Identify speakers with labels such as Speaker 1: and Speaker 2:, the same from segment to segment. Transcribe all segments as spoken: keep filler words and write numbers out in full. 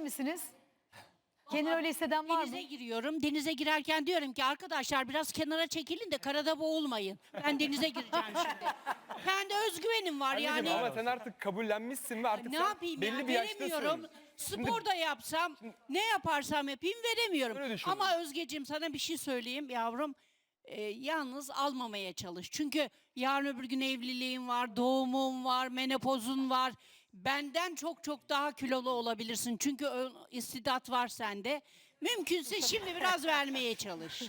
Speaker 1: misiniz? Kendini öyle hisseden var mı?
Speaker 2: Denize giriyorum. Denize girerken diyorum ki arkadaşlar biraz kenara çekilin de karada boğulmayın. Ben denize gireceğim şimdi. Kendi özgüvenim var
Speaker 3: Anneciğim,
Speaker 2: yani.
Speaker 3: ama sen artık kabullenmişsin ve artık
Speaker 2: Ne
Speaker 3: sen
Speaker 2: yapayım
Speaker 3: belli
Speaker 2: ya,
Speaker 3: bir
Speaker 2: veremiyorum.
Speaker 3: yaştasın.
Speaker 2: Spor da yapsam, ne yaparsam yapayım veremiyorum.
Speaker 3: Öyle düşünüyorum.
Speaker 2: Ama Özgeciğim sana bir şey söyleyeyim yavrum. Ee, yalnız almamaya çalış. Çünkü yarın öbür gün evliliğin var, doğumun var, menopozun var. Benden çok çok daha kilolu olabilirsin. Çünkü o istidat var sende. Mümkünse şimdi biraz vermeye çalış.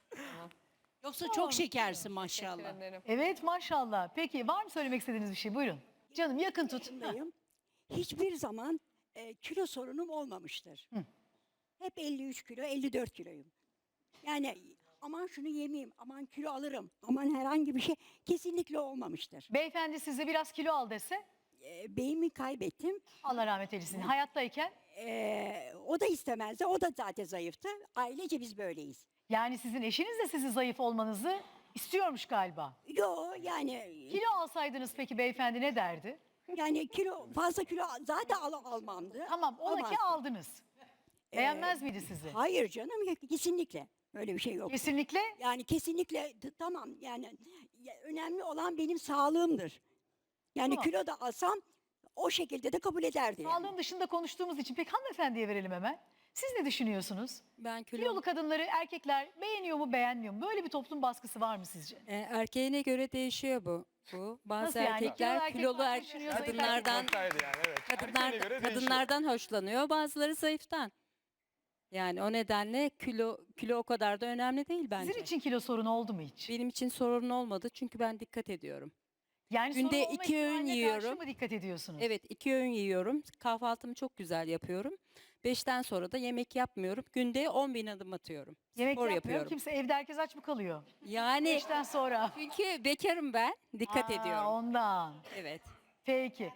Speaker 2: Yoksa çok şekersin maşallah.
Speaker 1: Evet maşallah. Peki var mı söylemek istediğiniz bir şey? Buyurun. Canım yakın tut. Heh.
Speaker 4: yaşındayım. Hiçbir zaman e, kilo sorunum olmamıştır. Hep elli üç kilo, elli dört kiloyum. Yani aman şunu yemeyeyim, aman kilo alırım, aman herhangi bir şey kesinlikle olmamıştır.
Speaker 1: Beyefendi size biraz kilo al dese
Speaker 4: E, beyimi kaybettim.
Speaker 1: Allah rahmet eylesin. Hayattayken
Speaker 4: E, o da istemezdi, o da zaten zayıftı. Ailece biz böyleyiz.
Speaker 1: yani sizin eşiniz de sizi zayıf olmanızı istiyormuş galiba.
Speaker 4: Yo yani
Speaker 1: Kilo alsaydınız peki beyefendi ne derdi?
Speaker 4: yani kilo fazla kilo zaten al, almamdı.
Speaker 1: Tamam ola ki
Speaker 4: Almazdım.
Speaker 1: aldınız. Beğenmez miydi sizi?
Speaker 4: Hayır canım ya, kesinlikle öyle bir şey yok.
Speaker 1: Kesinlikle.
Speaker 4: Yani kesinlikle t- tamam yani ya, önemli olan benim sağlığımdır. Yani
Speaker 1: Tamam.
Speaker 4: kilo da alsam o şekilde de kabul ederdi. yani.
Speaker 1: Sağlığın dışında konuştuğumuz için peki hanımefendiye verelim hemen. Siz ne düşünüyorsunuz?
Speaker 5: Ben kilo,
Speaker 1: Kilolu kadınları erkekler beğeniyor mu beğenmiyor mu? Böyle bir toplum baskısı var mı sizce?
Speaker 5: E, erkeğine göre değişiyor bu. Bu bazı
Speaker 1: Nasıl yani?
Speaker 5: Kilolu
Speaker 1: Kilolu erkek
Speaker 5: kilolu
Speaker 1: var,
Speaker 5: er-
Speaker 1: düşünüyor, zayıf
Speaker 5: kadınlardan
Speaker 3: Ortaydı yani, evet.
Speaker 5: kadınlar
Speaker 3: Erkeğine göre değişiyor.
Speaker 5: kadınlardan hoşlanıyor. Bazıları zayıftan. Yani o nedenle kilo kilo o kadar da önemli değil bence.
Speaker 1: Sizin için kilo sorunu oldu mu hiç?
Speaker 5: Benim için sorun olmadı çünkü ben dikkat ediyorum.
Speaker 1: Yani
Speaker 5: günde
Speaker 1: sorun olma
Speaker 5: iki öğün
Speaker 1: ihtimaline
Speaker 5: yiyorum.
Speaker 1: karşı mı dikkat ediyorsunuz?
Speaker 5: Evet, iki öğün yiyorum. Kahvaltımı çok güzel yapıyorum. Beşten sonra da yemek yapmıyorum. Günde on bin adım atıyorum.
Speaker 1: Yemek
Speaker 5: Spor
Speaker 1: yapmıyor.
Speaker 5: yapıyorum.
Speaker 1: Kimse evde herkes aç mı kalıyor?
Speaker 5: Yani
Speaker 1: Beşten sonra.
Speaker 5: çünkü bekarım ben. Dikkat
Speaker 1: Aa,
Speaker 5: ediyorum.
Speaker 1: Ondan.
Speaker 5: Evet.
Speaker 1: Peki.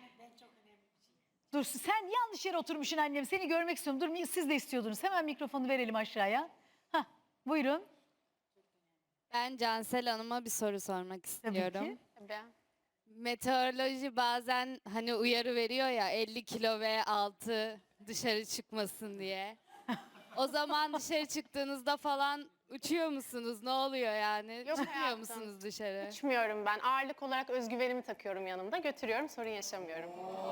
Speaker 1: Dur sen yanlış yere oturmuşsun annem. Seni görmek istiyorum. Dur siz de istiyordunuz. Hemen mikrofonu verelim aşağıya. Hah, buyurun.
Speaker 6: Ben Cansel Hanım'a bir soru sormak
Speaker 1: Tabii
Speaker 6: istiyorum.
Speaker 1: ki.
Speaker 6: Meteoroloji bazen hani uyarı veriyor ya elli kilo ve altı dışarı çıkmasın diye. O zaman dışarı çıktığınızda falan uçuyor musunuz? Ne oluyor yani?
Speaker 7: Yok
Speaker 6: Çıkmıyor
Speaker 7: hayatım.
Speaker 6: musunuz dışarı?
Speaker 7: Uçmuyorum ben. Ağırlık olarak özgüvenimi takıyorum yanımda. Götürüyorum, sorun yaşamıyorum.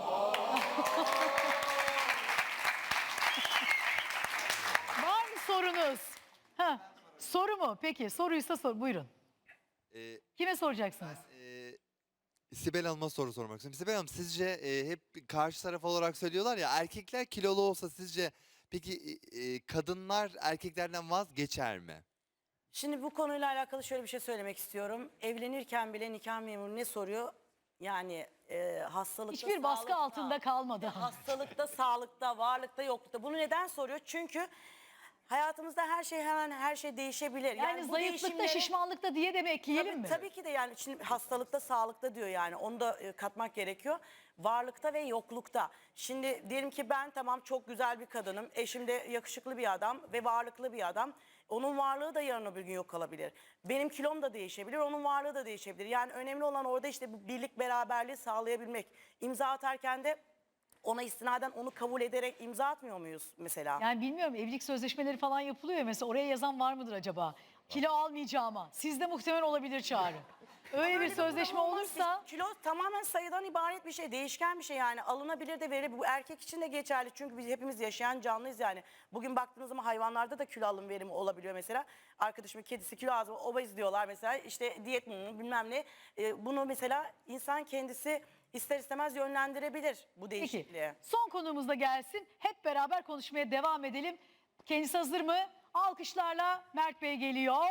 Speaker 1: Var mı sorunuz? Ha, soru mu? Peki soruysa sor. Buyurun.
Speaker 8: Ee,
Speaker 1: Kime soracaksınız?
Speaker 8: e, Sibel Hanım'a soru sormak istiyorum. Sibel Hanım sizce e, hep karşı taraf olarak söylüyorlar ya erkekler kilolu olsa sizce peki e, kadınlar erkeklerden vazgeçer mi?
Speaker 9: Şimdi bu konuyla alakalı şöyle bir şey söylemek istiyorum. Evlenirken bile nikah memuru ne soruyor? Yani e, hastalıkta,
Speaker 1: Hiçbir baskı
Speaker 9: sağlıkta,
Speaker 1: altında kalmadı.
Speaker 9: hastalıkta, sağlıkta, varlıkta, yoklukta. Bunu neden soruyor? Çünkü hayatımızda her şey hemen her şey değişebilir.
Speaker 1: Yani
Speaker 9: bu
Speaker 1: zayıflıkta,
Speaker 9: değişimleri-
Speaker 1: şişmanlıkta diye de mi ekleyelim
Speaker 9: Tabii,
Speaker 1: mi?
Speaker 9: tabii ki de yani şimdi hastalıkta, sağlıkta diyor yani onu da e, katmak gerekiyor. Varlıkta ve yoklukta. Şimdi diyelim ki ben tamam çok güzel bir kadınım. Eşim de yakışıklı bir adam ve varlıklı bir adam. Onun varlığı da yarın öbür gün yok kalabilir. Benim kilom da değişebilir, onun varlığı da değişebilir. Yani önemli olan orada işte bu birlik beraberliği sağlayabilmek. İmza atarken de ona istinaden onu kabul ederek imza atmıyor muyuz mesela?
Speaker 1: Yani bilmiyorum evlilik sözleşmeleri falan yapılıyor ya mesela oraya yazan var mıdır acaba? Kilo almayacağıma. Sizde muhtemelen olabilir Çağrı. Öyle bir
Speaker 9: Böyle
Speaker 1: sözleşme
Speaker 9: durum olmaz.
Speaker 1: olursa
Speaker 9: Biz- Kilo tamamen sayıdan ibaret bir şey, değişken bir şey yani. Alınabilir de verilebilir. Bu erkek için de geçerli çünkü biz hepimiz yaşayan canlıyız yani. Bugün baktığınız zaman hayvanlarda da kilo alım verimi olabiliyor mesela. Arkadaşımın kedisi kilo az, obez diyorlar mesela. İşte diyet mi bilmem ne. Ee, bunu mesela insan kendisi ister istemez yönlendirebilir bu değişikliği.
Speaker 1: Peki son konuğumuz da gelsin. Hep beraber konuşmaya devam edelim. Kendisi hazır mı? Alkışlarla Mert Bey geliyor.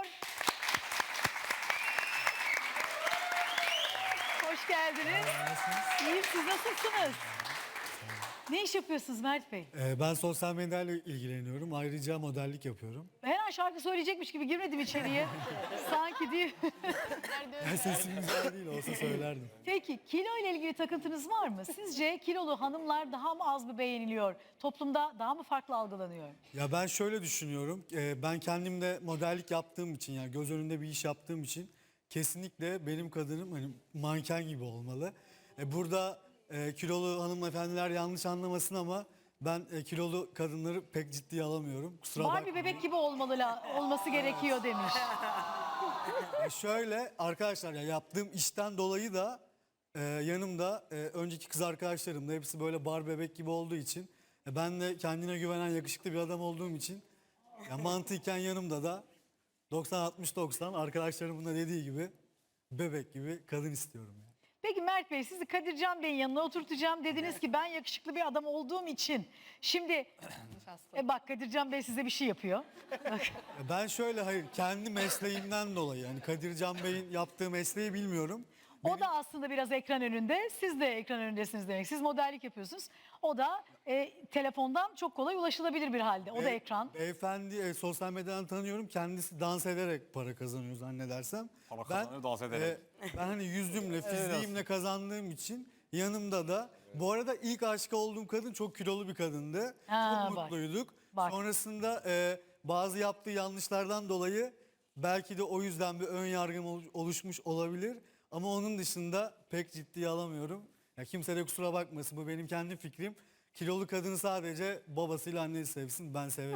Speaker 1: Hoş geldiniz. İyiyim siz nasılsınız? Ne iş yapıyorsunuz Mert Bey?
Speaker 10: Ee, Ben sosyal medyayla ilgileniyorum. Ayrıca modellik yapıyorum.
Speaker 1: Her an şarkı söyleyecekmiş gibi girmedim içeriye. Sanki değil.
Speaker 10: Sesim güzel değil olsa söylerdim.
Speaker 1: Peki kilo ile ilgili takıntınız var mı? Sizce kilolu hanımlar daha mı az mı beğeniliyor? Toplumda daha mı farklı algılanıyor?
Speaker 10: Ya ben şöyle düşünüyorum. Ee, Ben kendimde modellik yaptığım için yani göz önünde bir iş yaptığım için kesinlikle benim kadınım hani manken gibi olmalı. Ee, Burada e, kilolu hanımefendiler yanlış anlamasın ama Ben e, kilolu kadınları pek ciddiye alamıyorum. Kusura
Speaker 1: Barbie
Speaker 10: bakmayın.
Speaker 1: bebek gibi olmalı la- olması gerekiyor demiş.
Speaker 10: Ya şöyle arkadaşlar, ya yaptığım işten dolayı da e, yanımda e, önceki kız arkadaşlarım da hepsi böyle bar bebek gibi olduğu için, e, ben de kendine güvenen yakışıklı bir adam olduğum için, ya mantıken yanımda da doksan altmış doksan arkadaşlarımın da dediği gibi bebek gibi kadın istiyorum. Yani.
Speaker 1: Peki Mert Bey, sizi Kadircan Bey'in yanına oturtacağım. Dediniz ki ben yakışıklı bir adam olduğum için. Şimdi e bak Kadircan Bey size bir şey yapıyor.
Speaker 10: Ya ben şöyle, hayır, kendi mesleğimden dolayı, yani Kadircan Bey'in yaptığı mesleği bilmiyorum.
Speaker 1: O da aslında biraz ekran önünde. Siz de ekran önündesiniz demek. Siz modellik yapıyorsunuz. O da e, telefondan çok kolay ulaşılabilir bir halde. O da
Speaker 10: Bey-
Speaker 1: ekran.
Speaker 10: Beyefendi e, sosyal medyadan tanıyorum. Kendisi dans ederek para kazanıyor zannedersem.
Speaker 3: Para kazanıyor, dans ederek.
Speaker 10: e, ben hani yüzümle, fiziğimle kazandığım için yanımda da. Bu arada ilk aşık olduğum kadın çok kilolu bir kadındı.
Speaker 1: Ha,
Speaker 10: çok
Speaker 1: bak.
Speaker 10: mutluyduk.
Speaker 1: Bak.
Speaker 10: Sonrasında e, bazı yaptığı yanlışlardan dolayı belki de o yüzden bir ön yargım ol- oluşmuş olabilir. Ama onun dışında pek ciddiye alamıyorum. Ya kimse de kusura bakmasın, bu benim kendi fikrim. Kilolu kadını sadece babasıyla annesi sevsin, ben severim.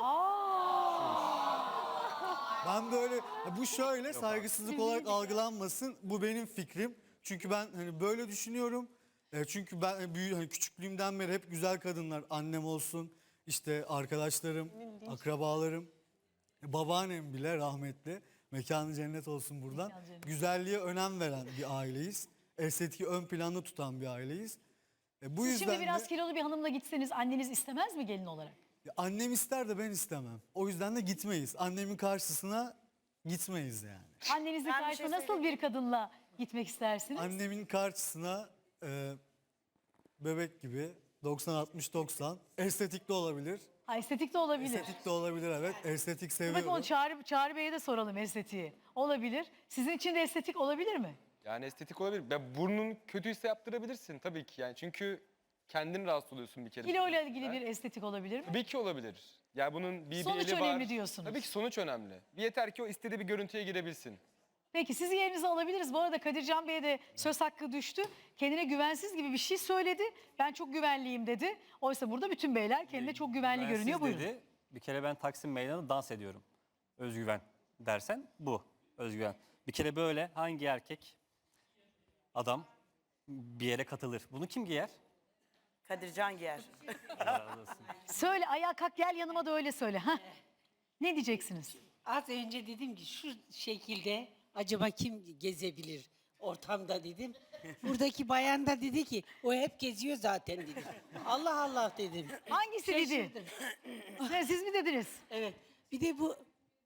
Speaker 10: Ben böyle, ya bu şöyle saygısızlık olarak algılanmasın. Bu benim fikrim. Çünkü ben hani böyle düşünüyorum. E, çünkü ben e, büyü, hani küçüklüğümden beri hep güzel kadınlar, annem olsun, işte arkadaşlarım, akrabalarım, e, babaannem bile rahmetli. Mekanı cennet olsun buradan.
Speaker 1: Mekanı cennet.
Speaker 10: Güzelliğe önem veren bir aileyiz. Estetiği ön planda tutan bir aileyiz. E, bu
Speaker 1: Siz
Speaker 10: yüzden
Speaker 1: şimdi biraz
Speaker 10: de,
Speaker 1: kilolu bir hanımla gitseniz anneniz istemez mi gelin olarak?
Speaker 10: ya annem ister de ben istemem. O yüzden de gitmeyiz. Annemin karşısına gitmeyiz yani.
Speaker 1: Annenizin
Speaker 9: Ben bir
Speaker 1: karşısına
Speaker 9: şey
Speaker 1: nasıl bir kadınla gitmek istersiniz?
Speaker 10: Annemin karşısına e, bebek gibi doksan altmış doksan, estetik de olabilir.
Speaker 1: Ha, estetik de olabilir.
Speaker 10: Estetik de olabilir, evet. Estetik
Speaker 1: Bak
Speaker 10: seviyorum.
Speaker 1: onu Çağrı, Çağrı Bey'e de soralım estetiği. Olabilir. Sizin için de estetik olabilir mi?
Speaker 3: Yani estetik olabilir. Ya burnun kötüyse yaptırabilirsin tabii ki yani. Çünkü kendin rahatsız oluyorsun bir kere.
Speaker 1: Kilo ile ilgili bir estetik olabilir mi?
Speaker 3: Tabii ki olabilir. Ya bunun bir,
Speaker 1: Sonuç
Speaker 3: bir eli var.
Speaker 1: önemli diyorsunuz.
Speaker 3: Tabii ki sonuç önemli. Yeter ki o istediği bir görüntüye girebilsin.
Speaker 1: Peki sizi yerinize alabiliriz. Bu arada Kadircan Bey'e de söz hakkı düştü. Kendine güvensiz gibi bir şey söyledi. Ben çok güvenliyim dedi. Oysa burada bütün beyler kendine çok güvenli
Speaker 11: Güvensiz
Speaker 1: görünüyor. Buyurun.
Speaker 11: dedi. Bir kere ben Taksim Meydanı'nda dans ediyorum. Özgüven dersen bu özgüven. Bir kere böyle hangi erkek adam bir yere katılır? Bunu kim giyer?
Speaker 9: Kadircan giyer.
Speaker 11: Allah razı olsun.
Speaker 1: Söyle ayağa kalk gel yanıma da öyle söyle. Hah. Ne diyeceksiniz?
Speaker 12: Az önce dedim ki şu şekilde acaba kim gezebilir ortamda dedim. Buradaki bayan da dedi ki o hep geziyor zaten dedi. Allah Allah dedim.
Speaker 1: Hangisi dedi?
Speaker 12: Şaşırdım.
Speaker 1: Ne, siz mi dediniz?
Speaker 12: Evet. Bir de bu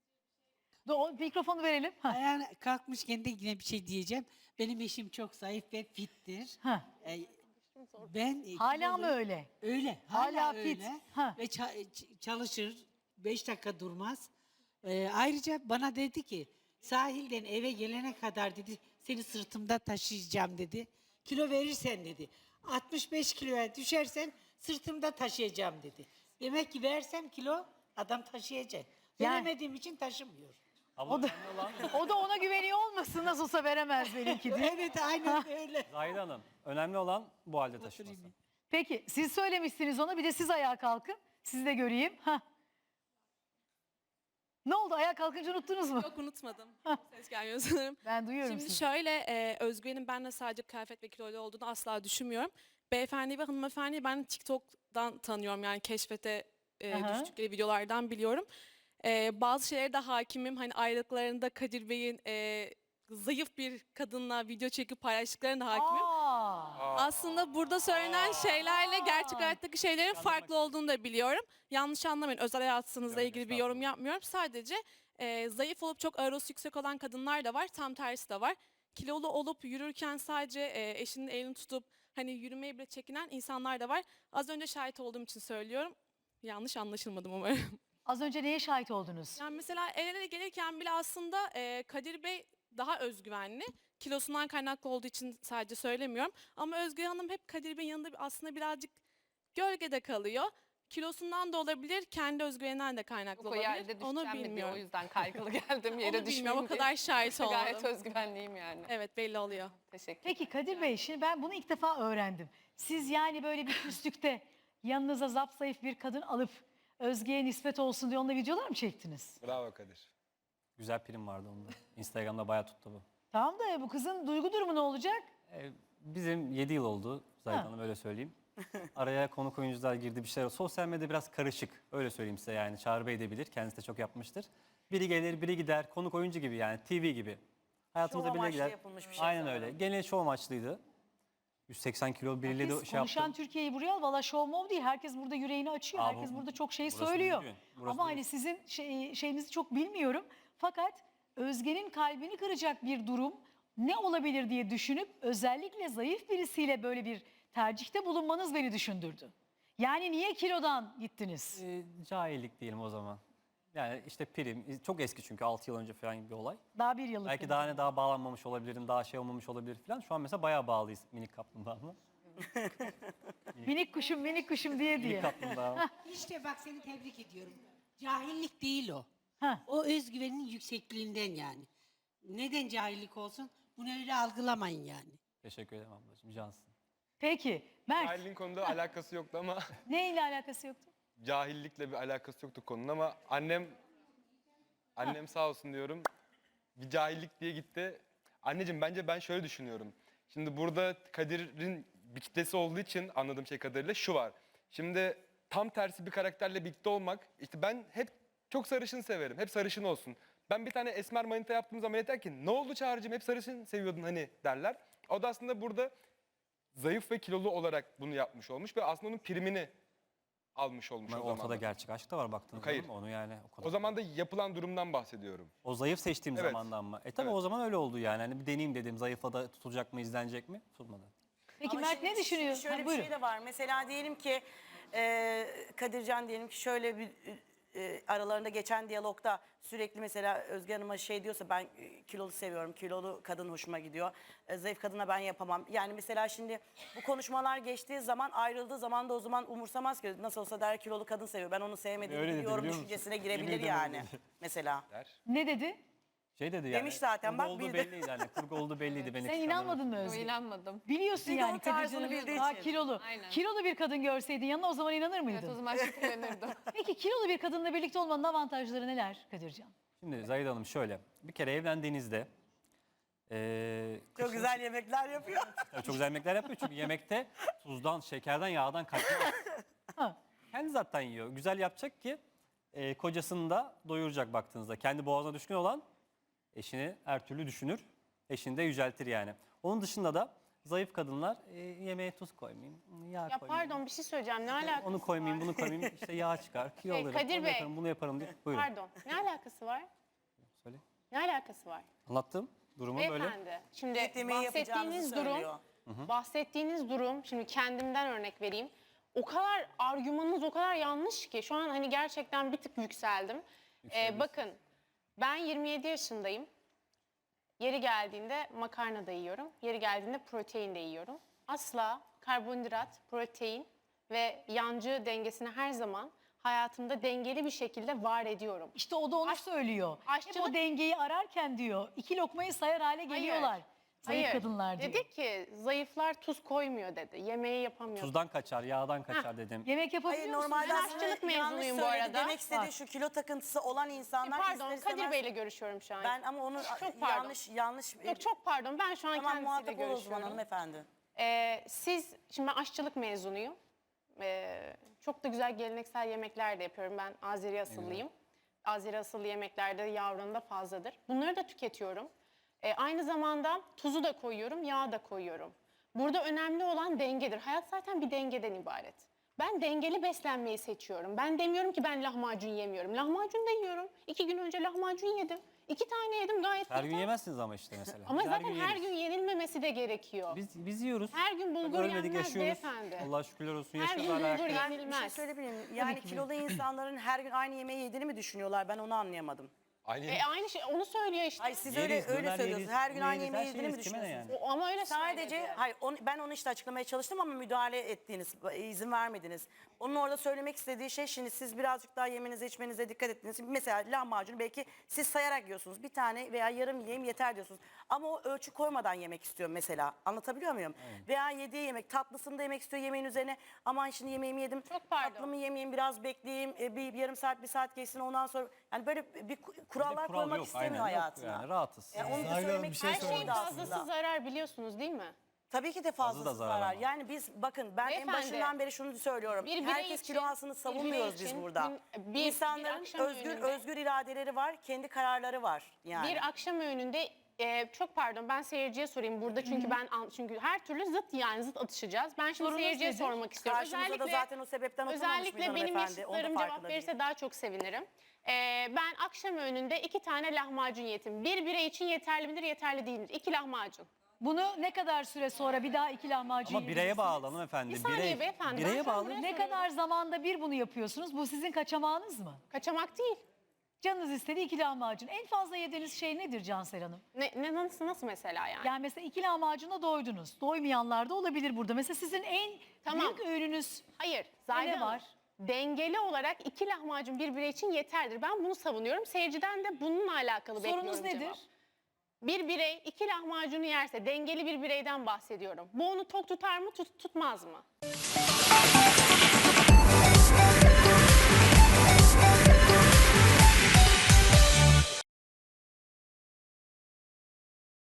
Speaker 1: Dur, o mikrofonu verelim. Hah.
Speaker 12: ayağına kalkmışken de yine bir şey diyeceğim. Benim eşim çok zayıf ve fittir.
Speaker 1: Hah.
Speaker 12: Ee, ben e,
Speaker 1: Hala mı
Speaker 12: kiloluyum.
Speaker 1: öyle?
Speaker 12: Öyle.
Speaker 1: Hala
Speaker 12: Hala,
Speaker 1: fit.
Speaker 12: öyle.
Speaker 1: Ha.
Speaker 12: Ve ça- ç- çalışır. Beş dakika durmaz. Ee, ayrıca bana dedi ki sahilden eve gelene kadar dedi seni sırtımda taşıyacağım dedi. Kilo verirsen dedi. altmış beş kiloya düşersen sırtımda taşıyacağım dedi. Demek ki versem kilo adam taşıyacak.
Speaker 1: Yani-
Speaker 12: Veremediğim için taşımıyor.
Speaker 11: Ama
Speaker 1: O da,
Speaker 11: önemli olan
Speaker 1: o da ona güveniyor olmasın. Nasıl olsa veremez benimki diye.
Speaker 12: Evet aynen öyle.
Speaker 11: Zahide Hanım. Önemli olan bu halde taşıması.
Speaker 1: Peki siz söylemişsiniz ona, bir de siz ayağa kalkın. Sizi de göreyim. Hah. Ne oldu, ayağa kalkınca unuttunuz mu?
Speaker 13: Yok unutmadım. Ses gelmiyor sanırım.
Speaker 1: Ben duyuyorum
Speaker 13: Şimdi
Speaker 1: sizi.
Speaker 13: şöyle e, Özgüven'in benimle sadece kıyafet ve kiloyla olduğunu asla düşünmüyorum. Beyefendi ve hanımefendi ben TikTok'dan tanıyorum yani keşfete e,
Speaker 1: Aha.
Speaker 13: düştükleri videolardan biliyorum. E, bazı şeylere de hakimim. Hani ayrılıklarında Kadir Bey'in e, zayıf bir kadınla video çekip paylaştıklarına da hakimim.
Speaker 1: Aa,
Speaker 13: Aslında burada söylenen şeylerle gerçek hayattaki şeylerin farklı olduğunu da biliyorum. Yanlış anlamayın. Özel hayatınızla
Speaker 11: Yok,
Speaker 13: ilgili bir yorum
Speaker 11: estağfurullah.
Speaker 13: yapmıyorum. Sadece e, zayıf olup çok aerosu yüksek olan kadınlar da var. Tam tersi de var. Kilolu olup yürürken sadece e, eşinin elini tutup hani yürümeye bile çekinen insanlar da var. Az önce şahit olduğum için söylüyorum. Yanlış anlaşılmadım umarım.
Speaker 1: az önce neye şahit oldunuz?
Speaker 13: Yani mesela el ele gelirken bile aslında e, Kadir Bey daha özgüvenli. Kilosundan kaynaklı olduğu için sadece söylemiyorum. Ama Özgür Hanım hep Kadir Bey'in yanında aslında birazcık gölgede kalıyor. Kilosundan da olabilir, kendi özgüveninden de kaynaklı
Speaker 7: O
Speaker 13: olabilir.
Speaker 7: yerde
Speaker 13: Onu
Speaker 7: düşeceğim mi diye,
Speaker 13: bilmiyorum.
Speaker 7: o yüzden kaygılı geldim yere
Speaker 13: Onu bilmiyorum, o
Speaker 7: düşmeyeyim
Speaker 13: kadar şahit
Speaker 7: diye. Gayet
Speaker 13: oldum.
Speaker 7: özgüvenliyim yani.
Speaker 13: Evet belli oluyor.
Speaker 7: Teşekkür
Speaker 1: Peki Kadir Bey, şimdi ben bunu ilk defa öğrendim. Siz yani böyle bir küslükte yanınıza zapzayıf bir kadın alıp Özge'ye nispet olsun diye onunla videolar mı çektiniz?
Speaker 3: Bravo Kadir.
Speaker 11: Güzel prim vardı onda. Instagram'da bayağı tuttu bu.
Speaker 1: Tamam da bu kızın duygu durumu ne olacak?
Speaker 11: Ee, bizim yedi yıl oldu Zahide
Speaker 1: Ha.
Speaker 11: Hanım, öyle söyleyeyim. Araya konuk oyuncular girdi, bir şeyler. Sosyal medya biraz karışık, öyle söyleyeyim size yani. Çağrı Bey de bilir, kendisi de çok yapmıştır. Biri gelir, biri gider, konuk oyuncu gibi yani, T V gibi. Hayatımıza
Speaker 9: Şov
Speaker 11: biri
Speaker 9: amaçlı
Speaker 11: gider.
Speaker 9: yapılmış bir şey
Speaker 11: Aynen
Speaker 9: sanırım.
Speaker 11: öyle. Gene şov amaçlıydı. yüz seksen kilo biriyle de
Speaker 1: Biz
Speaker 11: şey
Speaker 1: konuşan
Speaker 11: yaptım.
Speaker 1: Türkiye'yi buraya al. Valla show mov değil. Herkes burada yüreğini açıyor.
Speaker 11: Aa,
Speaker 1: Herkes
Speaker 11: bu-
Speaker 1: burada çok şey
Speaker 11: burası
Speaker 1: söylüyor.
Speaker 11: düzgün, burası
Speaker 1: Ama hani
Speaker 11: düzgün.
Speaker 1: sizin şey, şeyinizi çok bilmiyorum. Fakat Özge'nin kalbini kıracak bir durum ne olabilir diye düşünüp özellikle zayıf birisiyle böyle bir tercihte bulunmanız beni düşündürdü. Yani niye kilodan gittiniz?
Speaker 11: Ee, cahillik diyelim o zaman. Yani işte prim, çok eski çünkü altı yıl önce falan bir olay.
Speaker 1: Daha bir yıllık.
Speaker 11: Belki
Speaker 1: bir
Speaker 11: daha
Speaker 1: durum.
Speaker 11: ne daha bağlanmamış olabilirim, daha şey olmamış olabilir falan. Şu an mesela bayağı bağlıyız minik kaplumbağamla.
Speaker 1: Minik kuşum minik kuşum diye diye.
Speaker 11: Minik kaplumbağam.
Speaker 12: İşte bak seni tebrik ediyorum. Cahillik değil o.
Speaker 1: Heh.
Speaker 12: O özgüvenin yüksekliğinden yani. Neden cahillik olsun? Bunu öyle algılamayın yani.
Speaker 11: Teşekkür ederim ablacığım, cansın.
Speaker 1: Peki Mert
Speaker 3: Cahilliğin konuda alakası yoktu ama
Speaker 1: neyle alakası yoktu?
Speaker 3: cahillikle bir alakası yoktu konunun ama annem annem sağ olsun diyorum. Bir cahillik diye gitti. Anneciğim bence ben şöyle düşünüyorum. Şimdi burada Kadir'in bir kitlesi olduğu için anladığım şey kadarıyla şu var. Şimdi tam tersi bir karakterle birlikte olmak, işte ben hep çok sarışın severim. Hep sarışın olsun. Ben bir tane esmer manita yaptığım zaman yeter ki ne oldu Çağrı'cığım hep sarışın seviyordun hani derler. O da aslında burada zayıf ve kilolu olarak bunu yapmış olmuş ve aslında onun primini almış olmuş
Speaker 11: Ama
Speaker 3: o zaman.
Speaker 11: ortada
Speaker 3: da.
Speaker 11: gerçek aşk da var baktığınız
Speaker 3: Hayır.
Speaker 11: zaman, onu yani o kadar.
Speaker 3: O zaman da yapılan durumdan bahsediyorum.
Speaker 11: O zayıf seçtiğim
Speaker 3: Evet.
Speaker 11: zamandan mı? E tabii
Speaker 3: Evet.
Speaker 11: o zaman öyle oldu yani. Hani bir deneyeyim dedim, zayıfa da tutulacak mı, izlenecek mi? Tutmadı.
Speaker 1: Peki
Speaker 9: Ama
Speaker 1: Mert
Speaker 9: şimdi
Speaker 1: ne düşünüyor?
Speaker 9: Şöyle
Speaker 1: Ha,
Speaker 9: bir
Speaker 1: buyurun.
Speaker 9: şey de var. Mesela diyelim ki e, Kadircan diyelim ki şöyle bir e, aralarında geçen diyalogda sürekli mesela Özge Hanım'a şey diyorsa ben e, kilolu seviyorum, kilolu kadın hoşuma gidiyor. E, zayıf kadına ben yapamam. Yani mesela şimdi bu konuşmalar geçtiği zaman ayrıldığı zaman da o zaman umursamaz ki nasıl olsa der kilolu kadın seviyor. Ben onu sevmediğimi
Speaker 11: Öyle dedi,
Speaker 9: biliyorum
Speaker 11: biliyor musun?
Speaker 9: düşüncesine
Speaker 11: Yemin
Speaker 9: girebilir
Speaker 11: ederim
Speaker 9: yani
Speaker 11: öyle dedi.
Speaker 9: mesela.
Speaker 3: Der.
Speaker 1: Ne dedi?
Speaker 11: Şey dedi yani.
Speaker 9: Demiş zaten,
Speaker 11: kurgu
Speaker 9: bak
Speaker 11: olduğu
Speaker 9: bildi.
Speaker 11: belliydi yani. Kurgu olduğu belliydi. Beni
Speaker 1: Sen
Speaker 11: kıskandı.
Speaker 1: inanmadın mı Özge?
Speaker 6: İnanmadım.
Speaker 1: Biliyorsun
Speaker 9: Çünkü
Speaker 1: yani
Speaker 9: o tarzını
Speaker 1: Kadircan'ı
Speaker 9: bildiği
Speaker 1: daha
Speaker 9: için.
Speaker 1: kilolu.
Speaker 6: Aynen.
Speaker 1: Kilolu bir kadın görseydin yanına o zaman inanır mıydın?
Speaker 6: Evet o zaman şüphelenirdim.
Speaker 1: Peki kilolu bir kadınla birlikte olmanın avantajları neler Kadircan?
Speaker 11: Şimdi Zahide Hanım şöyle. Bir kere evlendiğinizde eee
Speaker 9: Çok
Speaker 11: kışın-
Speaker 9: güzel yemekler yapıyor.
Speaker 11: Tabii çok güzel yemekler yapıyor çünkü yemekte tuzdan, şekerden, yağdan kaçmıyor.
Speaker 1: Ha.
Speaker 11: Kendi zaten yiyor. Güzel yapacak ki eee, kocasını da doyuracak baktığınızda. Kendi boğazına düşkün olan eşini her türlü düşünür. Eşini de yüceltir yani. Onun dışında da zayıf kadınlar eee, yemeğe tuz koymayayım, yağ
Speaker 7: Ya
Speaker 11: koymayayım.
Speaker 7: pardon bir şey söyleyeceğim. Ne alakası
Speaker 11: Onu koymayayım,
Speaker 7: var?
Speaker 11: bunu koymayayım. İşte yağ çıkar, kilo
Speaker 7: Hey,
Speaker 11: alırım,
Speaker 7: Kadir
Speaker 11: onu
Speaker 7: Bey.
Speaker 11: yaparım, bunu yaparım diye. Buyurun.
Speaker 7: Pardon. Ne alakası var?
Speaker 11: Söyle.
Speaker 7: Ne alakası var?
Speaker 11: Anlattım durumu böyle.
Speaker 7: Beyefendi, şimdi
Speaker 9: Et yemeği yapacağınızı
Speaker 7: bahsettiğiniz durum,
Speaker 9: söylüyor.
Speaker 7: bahsettiğiniz durum, şimdi kendimden örnek vereyim. O kadar argümanınız o kadar yanlış ki şu an hani gerçekten bir tık yükseldim. Ee, bakın ben yirmi yedi yaşındayım. Yeri geldiğinde makarna da yiyorum. Yeri geldiğinde protein de yiyorum. Asla karbonhidrat, protein ve yancı dengesini her zaman hayatımda dengeli bir şekilde var ediyorum.
Speaker 1: İşte o da onu
Speaker 7: Aş-
Speaker 1: söylüyor. Hep
Speaker 7: aşçılık-
Speaker 1: o dengeyi ararken diyor iki lokmayı sayar hale geliyorlar. Zayıf
Speaker 7: Hayır.
Speaker 1: kadınlar diyor.
Speaker 7: Dedi ki zayıflar tuz koymuyor dedi. Yemeği yapamıyor.
Speaker 11: Tuzdan kaçar, yağdan kaçar dedim.
Speaker 1: Yemek yapabiliyor
Speaker 9: Hayır
Speaker 1: musun?
Speaker 9: normalde
Speaker 7: Ben
Speaker 9: aslında
Speaker 7: aşçılık
Speaker 9: yanlış
Speaker 7: mezunuyum bu
Speaker 9: söyledi.
Speaker 7: arada.
Speaker 9: Demek istediği
Speaker 1: Bak.
Speaker 9: şu kilo takıntısı olan
Speaker 7: E,
Speaker 9: insanlar
Speaker 7: pardon
Speaker 9: ister
Speaker 7: Kadir
Speaker 9: istemez-
Speaker 7: Bey'le görüşüyorum şu an.
Speaker 9: Ben ama onu
Speaker 7: Çok pardon.
Speaker 9: yanlış yanlış
Speaker 7: Yok çok pardon ben şu an
Speaker 9: tamam
Speaker 7: kendisiyle
Speaker 9: muhatap ol o zaman
Speaker 7: görüşüyorum.
Speaker 9: hanımefendi.
Speaker 7: Ee, siz, şimdi ben aşçılık mezunuyum. Ee, çok da güzel geleneksel yemekler de yapıyorum. Ben Azeri asıllıyım. Azeri asıllı yemeklerde yağ oranı da fazladır. Bunları da tüketiyorum. Ee, aynı zamanda tuzu da koyuyorum, yağ da koyuyorum. Burada önemli olan dengedir. Hayat zaten bir dengeden ibaret. Ben dengeli beslenmeyi seçiyorum. Ben demiyorum ki ben lahmacun yemiyorum. Lahmacun da yiyorum. İki gün önce lahmacun yedim. İki tane yedim gayet
Speaker 11: Her gün
Speaker 7: yeter.
Speaker 11: yemezsiniz ama işte mesela.
Speaker 7: Ama
Speaker 11: Biz
Speaker 7: zaten her
Speaker 11: yeriz.
Speaker 7: gün yenilmemesi de gerekiyor.
Speaker 11: Biz, biz yiyoruz.
Speaker 7: Her gün bulgur
Speaker 11: Ölmedik,
Speaker 7: yenmez
Speaker 11: yaşıyoruz.
Speaker 7: beyefendi.
Speaker 11: Allah şükürler olsun.
Speaker 7: Her
Speaker 11: Yaşıyoruz
Speaker 7: gün
Speaker 11: hala
Speaker 7: bulgur
Speaker 11: ayakta.
Speaker 9: Ben bir şey
Speaker 7: yenilmez.
Speaker 9: söyleyebilir miyim? Yani kilolu insanların her gün aynı yemeği yediğini mi düşünüyorlar? Ben onu anlayamadım.
Speaker 3: Aynı
Speaker 7: E, aynı şey onu söylüyor işte.
Speaker 9: Ay siz
Speaker 11: Yeriz,
Speaker 9: öyle öyle
Speaker 11: döner
Speaker 9: söylüyorsunuz.
Speaker 11: yeriz,
Speaker 9: Her gün
Speaker 11: bunu
Speaker 9: aynı
Speaker 11: yeriz, her
Speaker 9: yemeği
Speaker 11: şeyi
Speaker 9: yediğini mi
Speaker 11: yeriz, kime ne
Speaker 9: düşünüyorsunuz?
Speaker 7: O- ama öyle
Speaker 9: Sadece
Speaker 7: söyledi.
Speaker 9: hayır onu, ben onu işte açıklamaya çalıştım ama müdahale ettiğiniz, izin vermediniz. Onun orada söylemek istediği şey, şimdi siz birazcık daha yemenize içmenize dikkat ettiniz. Mesela lahmacunu belki siz sayarak yiyorsunuz. Bir tane veya yarım yiyeyim yeter diyorsunuz. Ama o ölçü koymadan yemek istiyor mesela. Anlatabiliyor muyum? Veya yediği yemek, tatlısını da yemek istiyor yemeğin üzerine. Aman şimdi yemeğimi yedim.
Speaker 7: Çok pardon.
Speaker 9: Tatlımı yemeyeyim, biraz bekleyeyim. e, Bir, bir yarım saat, bir saat geçsin ondan sonra. Yani böyle bir kurallar
Speaker 11: Kural
Speaker 9: koymak
Speaker 11: yok,
Speaker 9: istemiyor
Speaker 11: aynen, yok
Speaker 9: hayatına.
Speaker 11: yani, rahatız.
Speaker 9: Yani onu da
Speaker 10: Zahide Hanım,
Speaker 9: söylemek
Speaker 10: bir şey
Speaker 7: Her
Speaker 9: istiyorum
Speaker 7: şeyin
Speaker 10: sormak
Speaker 9: aslında.
Speaker 7: fazlası zarar biliyorsunuz değil mi?
Speaker 9: Tabii ki de fazlası
Speaker 11: da zarar
Speaker 9: zarar.
Speaker 11: ama.
Speaker 9: Yani biz bakın ben en
Speaker 7: Beyefendi,
Speaker 9: başından beri şunu söylüyorum.
Speaker 7: bir birey
Speaker 9: Herkes
Speaker 7: için-
Speaker 9: kilo alsın
Speaker 7: bir birey
Speaker 9: savunmuyoruz biz
Speaker 7: için
Speaker 9: burada.
Speaker 7: gün- bir- bir
Speaker 9: İnsanların
Speaker 7: akşam
Speaker 9: özgür
Speaker 7: öğününde-
Speaker 9: özgür iradeleri var, kendi kararları var yani.
Speaker 7: Bir akşam öğününde e, çok pardon ben seyirciye sorayım burada çünkü ben an- çünkü her türlü zıt yani zıt atışacağız. Ben şimdi
Speaker 1: Sorunuz
Speaker 7: seyirciye
Speaker 1: nedir?
Speaker 7: sormak istiyorum.
Speaker 9: Karşımıza da zaten o sebepten oturmamış
Speaker 7: özellikle
Speaker 9: mıydı
Speaker 7: benim
Speaker 9: hanımefendi? Onun da
Speaker 7: yaşıtlarım cevap
Speaker 9: farkında
Speaker 7: verirse
Speaker 9: değil.
Speaker 7: daha çok sevinirim. E, ben akşam öğününde iki tane lahmacun yedim. Bir birey için yeterli midir yeterli değildir. İki lahmacun.
Speaker 1: Bunu ne kadar süre sonra bir daha iki lahmacun
Speaker 11: Ama bireye
Speaker 1: yiyeceksiniz?
Speaker 11: bağlı hanımefendi.
Speaker 7: Bir saniye
Speaker 11: Birey,
Speaker 7: beyefendi, ben
Speaker 11: bireye
Speaker 7: şu an
Speaker 11: bağlı.
Speaker 7: buraya-
Speaker 1: Ne kadar zamanda bir bunu yapıyorsunuz? Bu sizin kaçamağınız mı?
Speaker 7: Kaçamak değil.
Speaker 1: Canınız istedi iki lahmacun. En fazla yediğiniz şey nedir Cansel Hanım?
Speaker 7: Ne, ne nasıl nasıl mesela yani?
Speaker 1: Yani mesela iki lahmacuna doydunuz. Doymayanlar da olabilir burada. Mesela sizin en
Speaker 7: Tamam.
Speaker 1: büyük öğününüz
Speaker 7: Hayır. Zahide
Speaker 1: ne
Speaker 7: Hanım,
Speaker 1: var?
Speaker 7: Dengeli olarak iki lahmacun bir birey için yeterdir. Ben bunu savunuyorum. Seyirciden de bununla alakalı
Speaker 1: sorunuz
Speaker 7: bekliyorum
Speaker 1: nedir?
Speaker 7: cevap. Bir birey iki lahmacunu yerse dengeli bir bireyden bahsediyorum. Bu onu tok tutar mı tut- tutmaz mı?